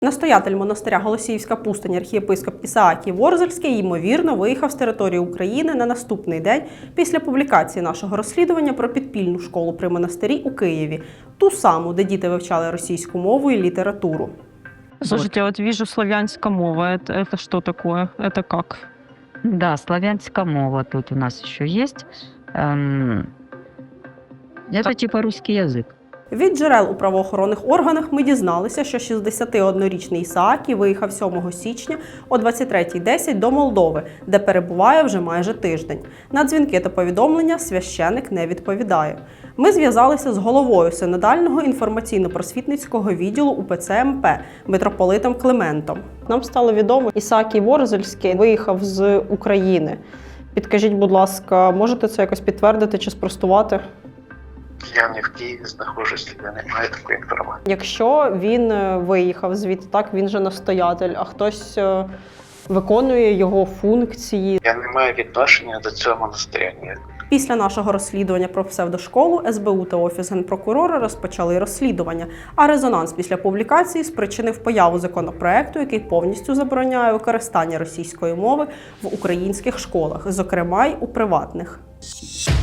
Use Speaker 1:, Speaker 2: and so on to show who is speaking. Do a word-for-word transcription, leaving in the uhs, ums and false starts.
Speaker 1: Настоятель монастиря Голосіївська пустиня архієпископ Ісаакій Ворзельський, ймовірно, виїхав з території України на наступний день після публікації нашого розслідування про підпільну школу при монастирі у Києві. Ту саму, де діти вивчали російську мову і літературу.
Speaker 2: Слушайте, вот вижу славянская мова. Это, это что такое? Это как?
Speaker 3: Да, славянская мова тут у нас еще есть. Эм, Это типа русский язык.
Speaker 1: Від джерел у правоохоронних органах ми дізналися, що шістдесятиоднорічний Ісаакій виїхав сьомого січня о двадцять третя десять до Молдови, де перебуває вже майже тиждень. На дзвінки та повідомлення священик не відповідає. Ми зв'язалися з головою синодального інформаційно-просвітницького відділу УПЦ МП митрополитом Климентом. Нам стало відомо, Ісаакій Ворзельський виїхав з України. Підкажіть, будь ласка, можете це якось підтвердити чи спростувати?
Speaker 4: Я не в Києві знаходжусь, я не маю такої інформації.
Speaker 1: Якщо він виїхав звідти, так, він же настоятель, а хтось виконує його функції.
Speaker 4: Я не маю відношення до цього монастиря ніякого.
Speaker 1: Після нашого розслідування про псевдошколу ес бе у та Офіс Генпрокурора розпочали розслідування, а резонанс після публікації спричинив появу законопроекту, який повністю забороняє використання російської мови в українських школах, зокрема й у приватних.